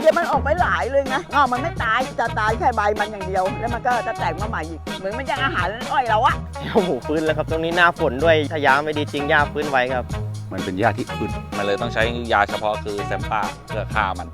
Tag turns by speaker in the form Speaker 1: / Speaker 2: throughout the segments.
Speaker 1: มันออกไปหลายเลยนะมันไม่ตายจะตายแค่ใบมันอย่างเดียวแล้วมันก็จะแตกมาใหม่อีกเหมือนมันยังอาหารอ้อยเราอะ
Speaker 2: หมูฟื้นแล้วครับตรงนี้หน้าฝนด้วยถ้ายาไม่ดีจริงหญ้าฟื้นไว้ครับ
Speaker 3: มันเป็นหญ้าที่อึด
Speaker 4: มันเลยต้องใช้ยาเฉพาะคือแซมป้าเพื่อฆ่ามัน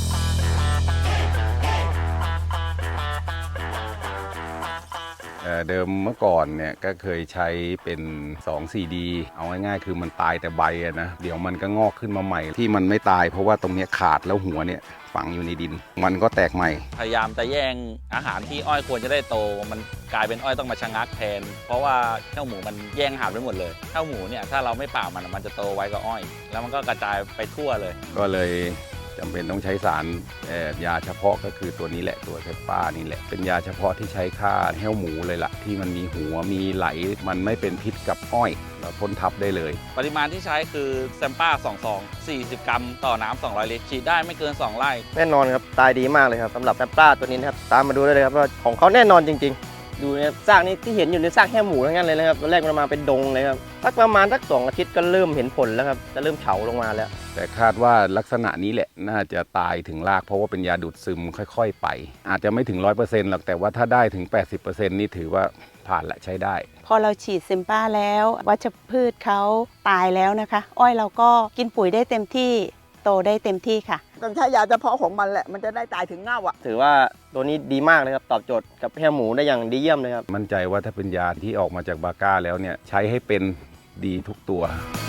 Speaker 3: เดิมเมื่อก่อนเนี่ยก็เคยใช้เป็น 2,4-D เอาง่ายๆคือมันตายแต่ใบนะเดี๋ยวมันก็งอกขึ้นมาใหม่ที่มันไม่ตายเพราะว่าตรงนี้ขาดแล้วหัวเนี่ยฝังอยู่ในดินมันก็แตกใหม่
Speaker 4: พยายามจะแย่งอาหารที่อ้อยควรจะได้โตมันกลายเป็นอ้อยต้องมาชะงักแทนเพราะว่าเจ้าหมูมันแย่งอาหารไปหมดเลยเจ้าหมูเนี่ยถ้าเราไม่ป่ามันจะโตไวกว่าอ้อยแล้วมันก็กระจายไปทั่วเลย
Speaker 3: ก็เลยจำเป็นต้องใช้สารยาเฉพาะก็คือตัวนี้แหละตัวเซปป้านี่แหละเป็นยาเฉพาะที่ใช้ฆ่าแห้วหมูเลยล่ะที่มันมีหัวมีไหลมันไม่เป็นพิษกับอ้อยเราพ่นทับได้เลย
Speaker 4: ปริมาณที่ใช้คือแซมป้า2 ซอง40 กรัมต่อน้ำ200 ลิตรฉีดได้ไม่เกิน2 ไร่
Speaker 2: แน่นอนครับตายดีมากเลยครับสำหรับแซมป้าตัวนี้นะครับตามมาดูได้เลยครับว่าของเขาแน่นอนจริงๆดูเนี่ยซากนี้ที่เห็นอยู่ในซากแค่หมูทั้งนั้นเลยนะครับตอนแรกมันมาเป็นดงเลยครับประมาณสัก2 อาทิตย์ก็เริ่มเห็นผลแล้วครับจะเริ่มเฉาลงมาแล้ว
Speaker 3: แต่คาดว่าลักษณะนี้แหละน่าจะตายถึงรากเพราะว่าเป็นยาดูดซึมค่อยๆไปอาจจะไม่ถึง 100% หรอกแต่ว่าถ้าได้ถึง 80% นี่ถือว่าผ่านและใช้ได้
Speaker 5: พอเราฉีดเซมป้าแล้ววัชพืชเขาตายแล้วนะคะอ้อยเราก็กินปุ๋ยได้เต็มที่โตได้เต็มที่ค่ะ
Speaker 1: ต้องใช้ยาเฉพาะของมันแหละมันจะได้ตายถึงเง่าอะ
Speaker 2: ถือว่าตัวนี้ดีมากเลยครับตอบโจทย์กับแห้วหมูได้อย่างดีเยี่ยมเลยครับ
Speaker 3: มั่นใจว่าถ้าเป็นยาที่ออกมาจากบาก้าแล้วเนี่ยใช้ให้เป็นดีทุกตัว